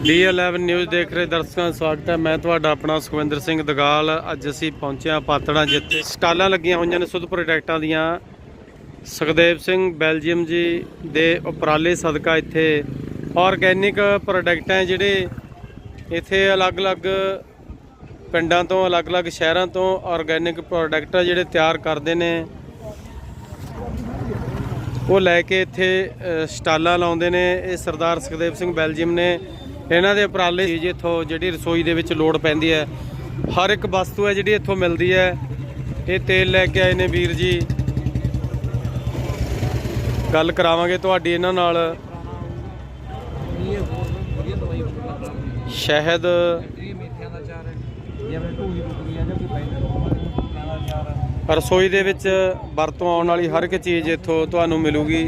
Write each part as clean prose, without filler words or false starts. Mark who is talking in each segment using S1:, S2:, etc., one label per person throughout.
S1: D11 news ਦੇਖ ਰਹੇ ਦਰਸ਼ਕਾਂ ਦਾ ਸਵਾਗਤ ਹੈ। ਮੈਂ ਤੁਹਾਡਾ ਆਪਣਾ ਸੁਖਵਿੰਦਰ ਸਿੰਘ ਦਗਾਲ। ਅੱਜ ਅਸੀਂ ਪਹੁੰਚੇ ਹਾਂ ਪਾਤੜਾਂ, ਜਿੱਥੇ ਸਟਾਲਾਂ ਲੱਗੀਆਂ ਹੋਈਆਂ ਨੇ ਸੁਧ ਪ੍ਰੋਡਕਟਾਂ ਦੀਆਂ। ਸੁਖਦੇਵ ਸਿੰਘ ਬੈਲਜੀਅਮ ਜੀ ਦੇ ਉਪਰਾਲੇ ਸਦਕਾ ਇੱਥੇ ਆਰਗੈਨਿਕ ਪ੍ਰੋਡਕਟ ਹੈ ਜਿਹੜੇ ਇੱਥੇ ਅਲੱਗ-ਅਲੱਗ ਪਿੰਡਾਂ ਤੋਂ ਅਲੱਗ-ਅਲੱਗ ਸ਼ਹਿਰਾਂ ਤੋਂ ਆਰਗੈਨਿਕ ਪ੍ਰੋਡਕਟ ਜਿਹੜੇ ਤਿਆਰ ਕਰਦੇ ਨੇ, ਉਹ ਲੈ ਕੇ ਇੱਥੇ ਸਟਾਲਾਂ ਲਾਉਂਦੇ ਨੇ। ਇਹ ਸਰਦਾਰ ਸੁਖਦੇਵ ਸਿੰਘ ਬੈਲਜੀਅਮ ਨੇ ਇਹਨਾਂ ਦੇ ਉਪਰਾਲੇ ਜੀ। ਇੱਥੋਂ ਜਿਹੜੀ ਰਸੋਈ ਦੇ ਵਿੱਚ ਲੋੜ ਪੈਂਦੀ ਹੈ, ਹਰ ਇੱਕ ਵਸਤੂ ਹੈ ਜਿਹੜੀ ਇੱਥੋਂ ਮਿਲਦੀ ਹੈ। ਇਹ ਤੇਲ ਲੈ ਕੇ ਆਏ ਨੇ ਵੀਰ ਜੀ, ਗੱਲ ਕਰਾਵਾਂਗੇ ਤੁਹਾਡੀ ਇਹਨਾਂ ਨਾਲ। ਸ਼ਹਿਦ, ਰਸੋਈ ਦੇ ਵਿੱਚ ਵਰਤੋਂ ਆਉਣ ਵਾਲੀ ਹਰ ਇੱਕ ਚੀਜ਼ ਇੱਥੋਂ ਤੁਹਾਨੂੰ ਮਿਲੂਗੀ।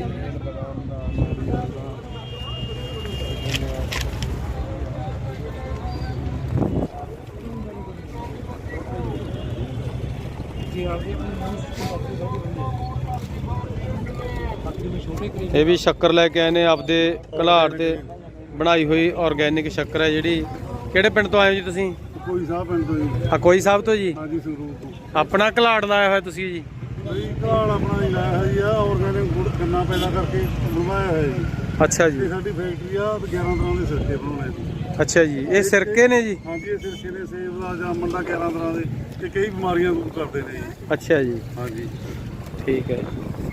S1: ਇਹ ਵੀ ਸ਼ੱਕਰ ਲੈ ਕੇ ਆਏ ਨੇ ਆਪਦੇ ਘਲਾੜ ਤੇ ਬਣਾਈ ਹੋਈ ਆਰਗੈਨਿਕ ਸ਼ੱਕਰ ਹੈ ਜਿਹੜੀ। ਕਿਹੜੇ ਪਿੰਡ ਤੋਂ ਆਏ ਹੋ ਜੀ ਤੁਸੀਂ?
S2: ਕੋਈ ਸਾਹਿਬ ਪਿੰਡ ਤੋਂ ਜੀ।
S1: ਕੋਈ ਸਾਹਿਬ ਤੋਂ ਜੀ?
S2: ਹਾਂਜੀ, ਸੰਗਰੂਰ ਤੋਂ।
S1: ਆਪਣਾ ਘਲਾੜ ਲਾਇਆ ਹੋਇਆ ਤੁਸੀਂ ਜੀ?
S2: ਘਲਾੜ ਆਪਣਾ ਹੀ ਲਾਇਆ ਹੈ ਜੀ। ਆਰਗੈਨਿਕ ਗੁੜ ਗੰਨਾ ਪੈਦਾ ਕਰਕੇ ਬਣਵਾਇਆ ਹੈ ਜੀ।
S1: ਅੱਛਾ ਜੀ।
S2: ਇਹ ਸਾਡੀ ਫੈਕਟਰੀ ਆ, 11 ਤਰ੍ਹਾਂ ਦੇ ਸਿਰਕੇ ਬਣਾਉਣੇ ਜੀ।
S1: ਅੱਛਾ ਜੀ, ਇਹ ਸਿਰਕੇ ਨੇ ਜੀ?
S2: ਹਾਂਜੀ, ਇਹ ਸਿਰਕੇ ਨੇ ਸੇਬ ਦਾ, ਜਾਮਨ ਦਾ, 11 ਤਰ੍ਹਾਂ ਦੇ, ਤੇ ਕਈ ਬਿਮਾਰੀਆਂ ਦੂਰ ਕਰਦੇ ਨੇ ਜੀ।
S1: ਅੱਛਾ ਜੀ,
S2: ਹਾਂਜੀ,
S1: ਠੀਕ ਹੈ।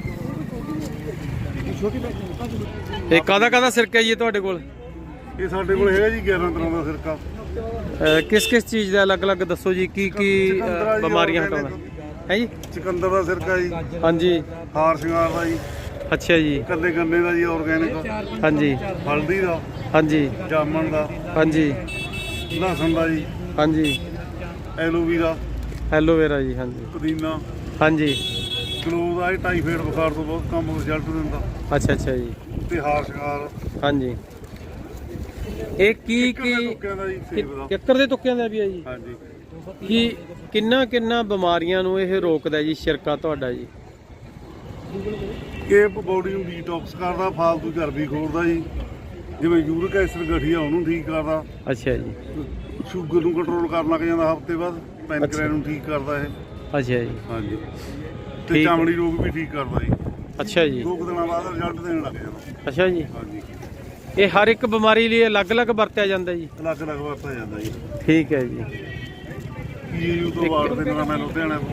S1: ਇਹ ਕਾਹਦਾ ਸਿਰਕਾ ਜੀ ਤੁਹਾਡੇ ਕੋਲ?
S2: ਇਹ ਸਾਡੇ ਕੋਲ ਹੈਗਾ ਜੀ 11 ਤਰ੍ਹਾਂ ਦਾ ਸਿਰਕਾ।
S1: ਕਿਸ ਚੀਜ਼ ਦਾ ਅਲੱਗ-ਅਲੱਗ ਦੱਸੋ ਜੀ, ਕੀ ਬਿਮਾਰੀਆਂ ਹਟਾਉਂਦਾ ਹੈ ਜੀ?
S2: ਚੁਕੰਦਰ ਦਾ ਸਿਰਕਾ ਜੀ।
S1: ਹਾਂਜੀ।
S2: ਹਾਰ ਸ਼ਿੰਗਾਰ ਦਾ ਜੀ।
S1: ਅੱਛਾ ਜੀ।
S2: ਕੱਲੇ ਗੰਨੇ ਦਾ ਜੀ ਆਰਗੈਨਿਕ।
S1: ਹਾਂਜੀ।
S2: ਹਲਦੀ ਦਾ।
S1: ਹਾਂਜੀ।
S2: ਜਾਮਨ ਦਾ।
S1: ਹਾਂਜੀ।
S2: ਲਸਣ ਦਾ ਜੀ।
S1: ਹਾਂਜੀ। ਐਲੋਵੇਰਾ ਜੀ। ਹਾਂਜੀ।
S2: ਪੁਦੀਨਾ।
S1: ਹਾਂਜੀ।
S2: ਗਲੋ ਦਾ, ਇਹ ਟਾਈਫਾਇਡ ਬੁਖਾਰ ਤੋਂ ਬਹੁਤ ਕੰਮ ਰਿਜ਼ਲਟ ਦਿੰਦਾ।
S1: ਅੱਛਾ ਜੀ।
S2: ਤੇ ਹਾਰ ਸ਼ਿੰਗਾਰ।
S1: ਹਾਂਜੀ। ਇਹ ਕੀ ਕਿੱਕਰ ਦੇ ਤੁੱਕਿਆਂ ਦਾ ਵੀ ਹੈ ਜੀ?
S2: ਹਾਂਜੀ।
S1: ਕੀ ਕਿੰਨਾ ਬਿਮਾਰੀਆਂ ਨੂੰ ਇਹ ਰੋਕਦਾ ਜੀ ਸਿਰਕਾ ਤੁਹਾਡਾ ਜੀ?
S2: ਇਹ ਬੋਡੀ ਨੂੰ ਡੀਟੌਕਸ ਕਰਦਾ, ਫਾਲਤੂ ਚਰਬੀ ਖੋਰਦਾ ਜੀ। ਜਿਵੇਂ ਯੂਰਿਕ ਐਸਿਡ ਗਠੀਆ ਉਹਨੂੰ ਠੀਕ ਕਰਦਾ।
S1: ਅੱਛਾ ਜੀ।
S2: ਸ਼ੂਗਰ ਨੂੰ ਕੰਟਰੋਲ ਕਰਨ ਲੱਗ ਜਾਂਦਾ ਹਫ਼ਤੇ ਬਾਅਦ। ਪੈਨਕ੍ਰੀਅਸ ਨੂੰ ਠੀਕ ਕਰਦਾ ਇਹ।
S1: ਅੱਛਾ ਜੀ।
S2: ਹਾਂਜੀ। ਤੇ ਚਮੜੀ ਰੋਗ ਵੀ ਠੀਕ ਕਰਦਾ ਜੀ।
S1: ਅੱਛਾ ਜੀ।
S2: 2 ਦਿਨਾਂ ਬਾਅਦ ਰਿਜ਼ਲਟ ਦੇਣ ਲੱਗ ਜਾਂਦਾ।
S1: ਅੱਛਾ ਜੀ।
S2: ਹਾਂਜੀ।
S1: ਇਹ ਹਰ ਇੱਕ ਬਿਮਾਰੀ ਲਈ ਅਲੱਗ-ਅਲੱਗ ਵਰਤਿਆ ਜਾਂਦਾ ਜੀ?
S2: ਅਲੱਗ-ਅਲੱਗ ਵਰਤਿਆ ਜਾਂਦਾ ਜੀ।
S1: ਠੀਕ ਹੈ ਜੀ।
S2: ਪੀਏਯੂ ਤੋਂ ਅਵਾਰਡ ਦੇਣਾ ਮੈਂ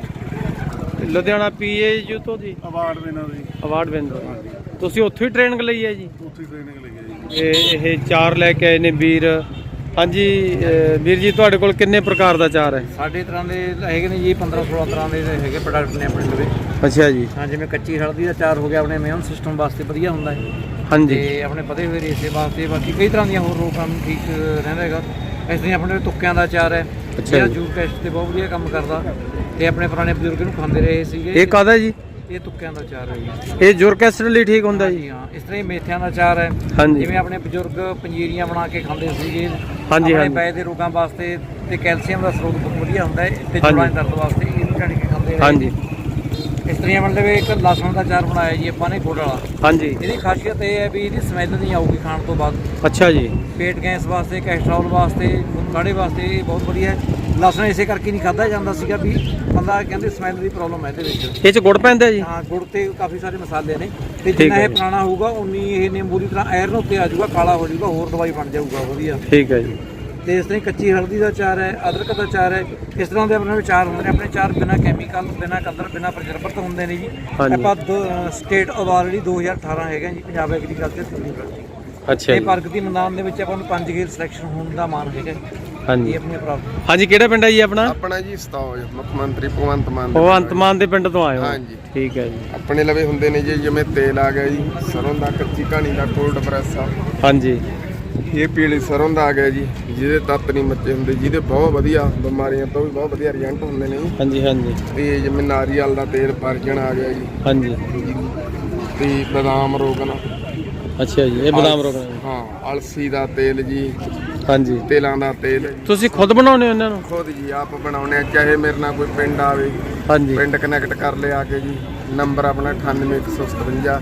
S1: ਲੁਧਿਆਣਾ PAU ਤੋਂ ਜੀ?
S2: ਅਵਾਰਡ ਦੇਣਾ ਜੀ।
S1: Award winner. ਤੁਸੀਂ ਉੱਥੇ ਹੀ ਟ੍ਰੇਨਿੰਗ ਲਈ ਹੈ ਜੀ?
S2: ਉੱਥੇ ਟ੍ਰੇਨਿੰਗ ਲਈ ਹੈ ਜੀ।
S1: ਇਹ ਚਾਰ ਲੈ ਕੇ ਆਏ ਨੇ ਵੀਰ। ਹਾਂਜੀ ਵੀਰ ਜੀ, ਤੁਹਾਡੇ ਕੋਲ ਕਿੰਨੇ ਪ੍ਰਕਾਰ ਦਾ ਚਾਰ ਹੈ?
S3: ਸਾਡੇ ਤਰ੍ਹਾਂ ਦੇ ਹੈਗੇ ਨੇ ਜੀ, 15-16 ਤਰ੍ਹਾਂ ਦੇ ਹੈਗੇ ਪ੍ਰੋਡਕਟ ਨੇ ਆਪਣੇ ਲਵੇ।
S1: ਅੱਛਾ ਜੀ।
S3: ਹਾਂ, ਜਿਵੇਂ ਕੱਚੀ ਹਲਦੀ ਦਾ ਚਾਰ ਹੋ ਗਿਆ, ਆਪਣੇ ਇਮਿਊਨ ਸਿਸਟਮ ਵਾਸਤੇ ਵਧੀਆ ਹੁੰਦਾ ਹੈ।
S1: ਹਾਂਜੀ।
S3: ਤੇ ਆਪਣੇ ਵਧੇ ਹੋਏ ਰੇਸ਼ੇ ਵਾਸਤੇ, ਬਾਕੀ ਕਈ ਤਰ੍ਹਾਂ ਦੀਆਂ ਹੋਰ ਰੋਗਾਂ ਨੂੰ ਠੀਕ ਰਹਿੰਦਾ ਹੈਗਾ। ਇਸ ਤਰ੍ਹਾਂ ਆਪਣੇ ਤੁੱਕਿਆਂ ਦਾ ਚਾਰ ਹੈ, ਜਿਹੜਾ ਜੂਰ ਟੈਸਟ ਤੇ ਬਹੁਤ ਵਧੀਆ ਕੰਮ ਕਰਦਾ, ਤੇ ਆਪਣੇ ਪੁਰਾਣੇ ਬਜ਼ੁਰਗ ਨੂੰ ਖਾਂਦੇ ਰਹੇ ਸੀਗੇ।
S1: ਇਹ ਕਾਹਦਾ ਜੀ?
S3: ਇਹ ਤੁੱਕਿਆਂ ਦਾ ਚਾਰ ਹੈ ਜੀ।
S1: ਇਹ ਯੂਰਿਕ ਐਸਿਡ ਲਈ ਠੀਕ ਹੁੰਦਾ ਜੀ?
S3: ਹਾਂ। ਇਸ ਤਰ੍ਹਾਂ ਹੀ ਮੇਥਿਆਂ ਦਾ ਚਾਰ ਹੈ।
S1: ਹਾਂਜੀ।
S3: ਜਿਵੇਂ ਆਪਣੇ ਬਜ਼ੁਰਗ ਪੰਜੀਰੀਆਂ ਬਣਾ ਕੇ ਖਾਂਦੇ ਸੀਗੇ।
S1: ਹਾਂਜੀ।
S3: ਆਪਣੇ ਪੈ ਦੇ ਰੋਗਾਂ ਵਾਸਤੇ ਤੇ ਕੈਲਸ਼ੀਅਮ ਦਾ ਸਰੋਤ ਬਹੁਤ ਵਧੀਆ ਹੁੰਦਾ ਹੈ, ਤੇ ਜੋੜਾਂ ਦੇ ਦਰਦ ਵਾਸਤੇ ਇਹਨੂੰ ਛੱਡ ਕੇ ਖਾਂਦੇ ਰਹੇ।
S1: ਹਾਂਜੀ।
S3: ਇਸ ਤਰ੍ਹਾਂ ਮਤਲਬ ਇੱਕ ਲਸਣ ਦਾ ਚਾਰ ਬਣਾਇਆ ਜੀ ਆਪਾਂ ਨੇ, ਗੁੜ ਵਾਲਾ।
S1: ਹਾਂਜੀ।
S3: ਇਹਦੀ ਖਾਸੀਅਤ ਇਹ ਹੈ ਵੀ ਇਹਦੀ ਸਮੈਲ ਨਹੀਂ ਆਊਗੀ ਖਾਣ ਤੋਂ ਬਾਅਦ।
S1: ਅੱਛਾ ਜੀ।
S3: ਪੇਟ ਗੈਸ ਵਾਸਤੇ, ਕੈਸਟਰੋਲ ਵਾਸਤੇ, ਕਾੜੇ ਵਾਸਤੇ ਇਹ ਬਹੁਤ ਵਧੀਆ ਹੈ। ਲਸਣ ਇਸੇ ਕਰਕੇ ਨਹੀਂ ਖਾਧਾ ਜਾਂਦਾ ਸੀਗਾ ਵੀ ਬੰਦਾ ਕਹਿੰਦੇ ਸਮੈਲ ਦੀ ਪ੍ਰੋਬਲਮ ਹੈ ਇਹਦੇ ਵਿੱਚ।
S1: ਇਹ 'ਚ ਗੁੜ ਪੈਂਦਾ ਜੀ?
S3: ਹਾਂ, ਗੁੜ ਤੇ ਕਾਫੀ ਸਾਰੇ ਮਸਾਲੇ ਨੇ, ਤੇ ਜਿੰਨਾ ਇਹ ਪੁਰਾਣਾ ਹੋਊਗਾ ਉਨੀ ਇਹ ਨਿੰਬੂ ਦੀ ਤਰ੍ਹਾਂ ਆਇਰਨ ਉੱਤੇ ਆ ਜਾਊਗਾ, ਕਾਲਾ ਹੋ ਜਾਊਗਾ, ਹੋਰ ਦਵਾਈ ਬਣ ਜਾਊਗਾ ਵਧੀਆ।
S1: ਠੀਕ ਹੈ ਜੀ।
S3: ਤੇ ਇਸ ਤਰ੍ਹਾਂ ਕੱਚੀ ਹਲਦੀ ਦਾ ਚਾਰ ਹੈ, ਅਦਰਕ ਦਾ ਚਾਰ ਹੈ। ਇਸ ਤਰ੍ਹਾਂ ਦੇ ਆਪਣੇ ਚਾਰ ਹੁੰਦੇ ਨੇ। ਆਪਣੇ ਚਾਰ ਬਿਨਾਂ ਕੈਮੀਕਲ, ਬਿਨਾਂ ਕਲਰ, ਬਿਨਾਂ ਪ੍ਰਜਰਵਰ ਤੋਂ ਹੁੰਦੇ ਨੇ ਜੀ। ਆਪਾਂ ਸਟੇਟ ਅਵਾਰਡ 2018 ਹੈਗਾ ਜੀ, ਪੰਜਾਬ ਐਗਰੀਕਲਚਰ ਯੂਨੀਵਰਸਿਟੀ।
S1: ਅੱਛਾ।
S3: ਇਹ ਪ੍ਰਗਤੀ ਮੈਦਾਨ ਦੇ ਵਿੱਚ ਆਪਾਂ ਨੂੰ 5 ਗੇੜ ਸਿਲੈਕਸ਼ਨ ਹੋਣ ਦਾ ਮਾਣ ਹੈਗਾ।
S1: ਹਾਂਜੀ।
S3: ਆਪਣੀ ਪ੍ਰਾਪਤ।
S1: ਹਾਂਜੀ, ਕਿਹੜਾ ਪਿੰਡ ਹੈ ਜੀ ਆਪਣਾ?
S4: ਆਪਣਾ ਜੀ ਸਤੌਜ, ਮੁੱਖ ਮੰਤਰੀ ਭਗਵੰਤ ਮਾਨ
S1: ਦੇ ਪਿੰਡ ਤੋਂ ਆਏ ਹੋ?
S4: ਹਾਂਜੀ।
S1: ਠੀਕ ਹੈ ਜੀ।
S4: ਆਪਣੇ ਲਵੇ ਹੁੰਦੇ ਨੇ ਜੀ, ਜਿਵੇਂ ਤੇਲ ਆ ਗਿਆ ਜੀ ਸਰੋਂ ਦਾ, ਕੱਚੀ ਘਾਣੀ ਦਾ, ਕੋਲਡ ਪ੍ਰੈਸ ਆ।
S1: ਹਾਂਜੀ।
S4: ਇਹ ਪੀਲੀ ਸਰੋਂ ਦਾ ਆ ਗਿਆ ਜੀ, ਜਿਹਦੇ ਤੱਤ ਨਹੀਂ ਮੱਚੇ ਹੁੰਦੇ, ਜਿਹਦੇ ਬਹੁਤ ਵਧੀਆ ਬਿਮਾਰੀਆਂ ਤੋਂ ਵੀ ਬਹੁਤ ਵਧੀਆ ਰਿਜ਼ਲਟ ਹੁੰਦੇ ਨੇ ਜੀ।
S1: ਹਾਂਜੀ। ਹਾਂਜੀ।
S4: ਤੇ ਜਿਵੇਂ ਨਾਰੀਅਲ ਦਾ ਤੇਲ ਪਰਜਣ ਆ ਗਿਆ ਜੀ।
S1: ਹਾਂਜੀ।
S4: ਤੇ ਬਦਾਮ ਰੋਗਨ।
S1: ਅੱਛਾ ਜੀ, ਇਹ ਬਦਾਮ ਰੋਗਨ।
S4: ਹਾਂ। ਅਲਸੀ ਦਾ ਤੇਲ ਜੀ।
S1: ਹਾਂਜੀ।
S4: ਤੇਲਾਂ ਦਾ ਤੇਲ
S1: ਤੁਸੀਂ ਖੁਦ ਬਣਾਉਂਦੇ ਹੋ ਇਹਨਾਂ ਨੂੰ?
S4: ਖੁਦ ਜੀ, ਆਪ ਬਣਾਉਂਦੇ ਆ। ਚਾਹੇ ਮੇਰੇ ਨਾਲ ਕੋਈ ਪਿੰਡ ਆਵੇ,
S1: ਹਾਂਜੀ,
S4: ਪਿੰਡ ਕਨੈਕਟ ਕਰ ਲਿਆ ਕੇ ਜੀ। ਨੰਬਰ ਆਪਣਾ 98157